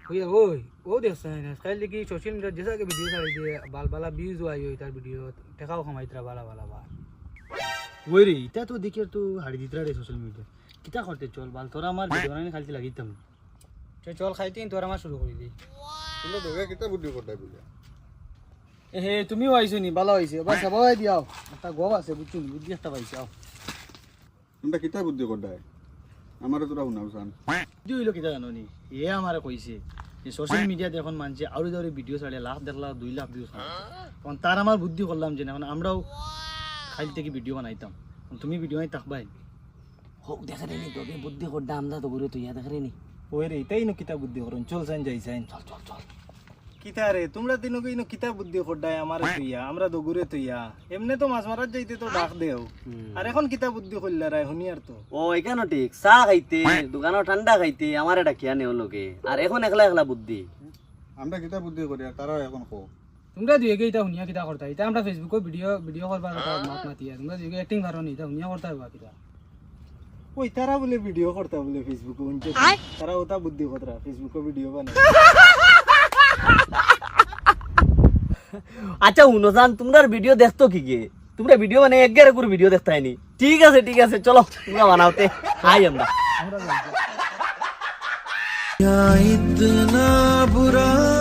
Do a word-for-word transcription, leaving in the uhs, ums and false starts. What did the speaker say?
ওই ওই ও দেখছেন আজকাল কি সোশ্যাল মিডিয়া যেসা के वीडियो साड़ी दे बाल बाला व्यूज हुआ यो इधर वीडियो टेकाओ कमाइतरा बाला बाला बा ওই রে এটা তো দেখে তো হাড়ি দিতরা রে সোশ্যাল মিডিয়া কিটা করতে চল বাল তোরা আমার ভিডিও বানানি খালতে লাগিতাম তে চল খাইতেন তোর আমার শুরু করি দি তোমরা দেখে কিতা বুদ্ধি করতাই বলে এ হে তুমিও আইছো নি ভালো হইছে বাস সবাই দিও একটা গোব আছে বুঝছুন বুদ্ধি একটা পাইছে আও তোমরা কিতা বুদ্ধি করতাই আমারে তোরা শুনাওছান বুদ্ধি হইলো কিটা জানো নি এ আমারে কইছে যে সোশ্যাল মিডিয়াতে এখন মানছে আউরি দাউরি ভিডিও ছাড়ে লাখ দেড় লাখ দুই লাখ ভিউজ তখন তার আমার বুদ্ধি করলাম যে এখন আমরাও খাইল থেকে ভিডিও বানাইতাম তুমি ভিডিও আই তাকবাই হোক দেখা রে নি তোকে বুদ্ধি করডা আমরা তো ঘুরে তুই দেখা রে নি ওই রে এটাই নো কিতা বুদ্ধি করুন চল সাইন যাই সাইন চল চল চল কিতা রে তোমরা দিনো কইনো কিতা বুদ্ধি করডাই আমারে তুইয়া আমরা তো ঘুরে তুইয়া এমনে তো মাছ মারার যাইতে তো ডাক দেও আর এখন কিতা বুদ্ধি কইলা রাই হুনি আর তো ও এখানে ঠিক চা খাইতে দোকানে ঠান্ডা খাইতে আমার এটা কিয়া নেও লোকে আর এখন একলা একলা বুদ্ধি আমরা কিতা বুদ্ধি করি আর তারা এখন কো তোমরা দুই একে এটা হুনিয়া কিটা করতা এটা আমরা ফেসবুকে ভিডিও ভিডিও করবার কথা মাত মাতিয়া তোমরা দুই একে অ্যাক্টিং করো নি এটা হুনিয়া করতা হইবা কিটা ওই তারা বলে ভিডিও করতা বলে ফেসবুকে উনছে তারা ওটা বুদ্ধি করতা ফেসবুকে ভিডিও বানায় আচ্ছা উনজান তোমরা ভিডিও দেখতো কি কে তোমরা ভিডিও মানে এক গেরে করে ভিডিও দেখতাই নি ঠিক আছে ঠিক আছে চলো তোমরা বানাওতে আই আমরা ইতনা বুরা